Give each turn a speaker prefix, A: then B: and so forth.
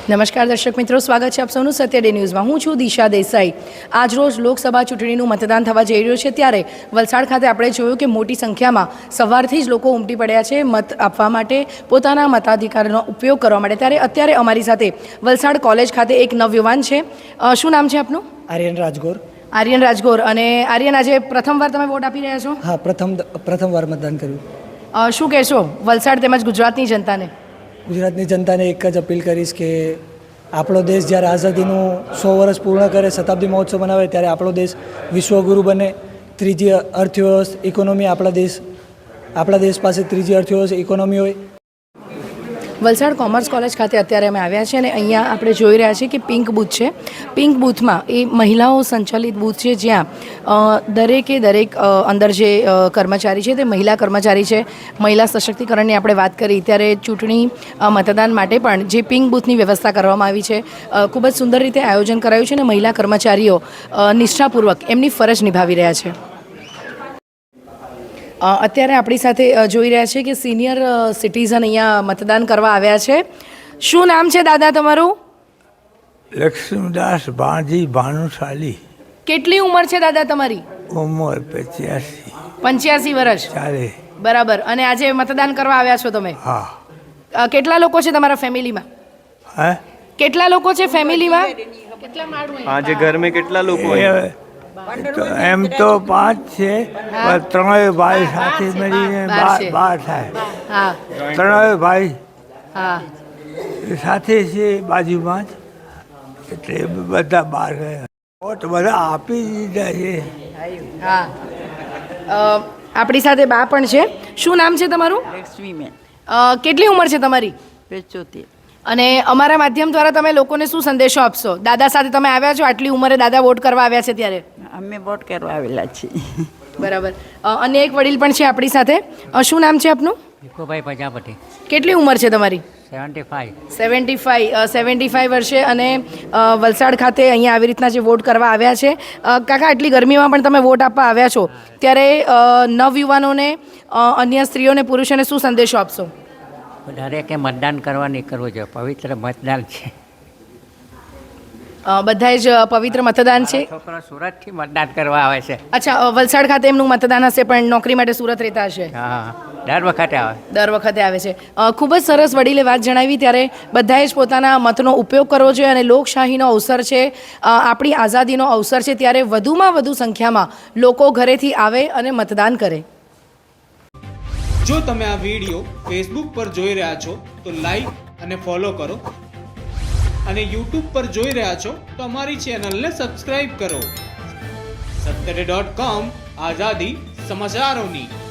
A: નમસ્કાર દર્શક મિત્રો, સ્વાગત છે આપ સૌનું સત્ય ડે ન્યૂઝમાં. હું છું દિશા દેસાઈ. આજરોજ લોકસભા ચૂંટણીનું મતદાન થવા જઈ રહ્યું છે, ત્યારે વલસાડ ખાતે આપણે જોયું કે મોટી સંખ્યામાં સવારથી જ લોકો ઉમટી પડ્યા છે મત આપવા માટે, પોતાના મતાધિકારનો ઉપયોગ કરવા માટે. ત્યારે અત્યારે અમારી સાથે વલસાડ કોલેજ ખાતે એક નવયુવાન છે. શું નામ છે આપનું?
B: આર્યન રાજગોર.
A: આર્યન રાજગોર. અને આર્યન, આજે પ્રથમવાર તમે વોટ આપી રહ્યા છો?
B: હા, પ્રથમવાર મતદાન કર્યું.
A: શું કહેશો વલસાડ તેમજ ગુજરાતની જનતાને?
B: ગુજરાતની જનતાને એક જ અપીલ કરીશ કે આપણો દેશ જ્યારે આઝાદીનું 100 વર્ષ પૂર્ણ કરે, શતાબ્દી મહોત્સવ મનાવે, ત્યારે આપણો દેશ વિશ્વગુરુ બને. ત્રીજી અર્થવ્યવસ્થા ઇકોનોમી આપણા દેશ પાસે ત્રીજી અર્થવ્યવસ્થા ઇકોનોમી હોય.
A: વલસાડ કોમર્સ કોલેજ ખાતે અત્યારે અમે આવ્યા છીએ અને અહીંયા આપણે જોઈ રહ્યા છીએ કે પિંક બૂથ છે. પિંક બૂથમાં એ મહિલાઓ સંચાલિત બૂથ છે, જ્યાં દરેકે દરેક અંદર જે કર્મચારી છે તે મહિલા કર્મચારી છે. મહિલા સશક્તિકરણની આપણે વાત કરી ત્યારે ચૂંટણી મતદાન માટે પણ જે પિંક બૂથની વ્યવસ્થા કરવામાં આવી છે, ખૂબ જ સુંદર રીતે આયોજન કરાયું છે અને મહિલા કર્મચારીઓ નિષ્ઠાપૂર્વક એમની ફરજ નિભાવી રહ્યા છે. અત્યારે આપણી સાથે જોઈ રહ્યા છે કે સિનિયર સિટીઝન અહીંયા મતદાન કરવા આવ્યા છે. શું નામ છે દાદા તમારું?
C: લક્ષ્મીદાસ ભાણજી ભાનુશાલી.
A: કેટલી ઉંમર છે દાદા તમારી?
C: ઉંમર 85.
A: 85 વર્ષ.
C: ચાલે.
A: બરાબર. અને આજે મતદાન કરવા આવ્યા છો તમે?
C: હા.
A: કેટલા લોકો છે તમારા ફેમિલીમાં?
C: હે?
A: કેટલા લોકો છે ફેમિલીમાં?
D: આજે ઘર મેં કેટલા લોકો?
C: એમ તો 5 છે, પણ 3 ભાઈ સાથે મળીને 12 થાય.
A: હા
C: 3 ભાઈ
A: હા
C: સાથે છે બાજુમાં જ, એટલે બધા 12 ગયા. વોટ બધા આપી દીધા છે.
A: હા. આપણી સાથે બા પણ છે. શું નામ છે તમારું?
E: લક્ષ્મીબેન.
A: કેટલી ઉંમર છે તમારી?
E: 75.
A: અને અમારા માધ્યમ દ્વારા તમે લોકોને શું સંદેશો આપશો? દાદા સાથે તમે આવ્યા છો, આટલી ઉંમરે દાદા વોટ કરવા આવ્યા છે ત્યારે?
E: અમે વોટ કરવા આવેલા છીએ.
A: બરાબર. અને એક વડીલ પણ છે આપણી સાથે. શું નામ છે આપનું?
F: ભીખુભાઈ પ્રજાપતિ.
A: કેટલી ઉંમર છે તમારી?
F: 75.
A: 75 વર્ષે અને વલસાડ ખાતે અહીંયા આવી રીતના જે વોટ કરવા આવ્યા છે. કાકા, આટલી ગરમીમાં પણ તમે વોટ આપવા આવ્યા છો, ત્યારે નવયુવાનોને, અન્ય સ્ત્રીઓને, પુરુષોને શું સંદેશો આપશો?
F: દરેકે મતદાન કરવા નીકળવું જોઈએ. પવિત્ર મતદાન છે.
A: બધાએ જ પવિત્ર મતદાન છે.
F: છોકરો સુરતથી મતદાન કરવા આવે છે.
A: અચ્છા, વલસાડ ખાતે એમનું મતદાન હશે, પણ નોકરી માટે સુરત રહેતા હશે.
F: હા, દર વખતે આવે.
A: દર વખતે આવે છે. ખૂબ જ સરસ વડીલે વાત જણાવી. ત્યારે બધાએ જ પોતાના મતનો ઉપયોગ કરવો જોઈએ અને લોકશાહીનો અવસર છે, આપણી આઝાદીનો અવસર છે, ત્યારે વધુમાં વધુ સંખ્યામાં લોકો ઘરેથી આવે અને મતદાન કરે.
G: જો તમે આ વિડીયો ફેસબુક પર જોઈ રહ્યા છો તો લાઈક અને ફોલો કરો, અને યુટ્યુબ પર જોઈ રહ્યા છો તો અમારી ચેનલને સબસ્ક્રાઇબ કરો. સત્યડે.com, આઝાદી સમાચારોની.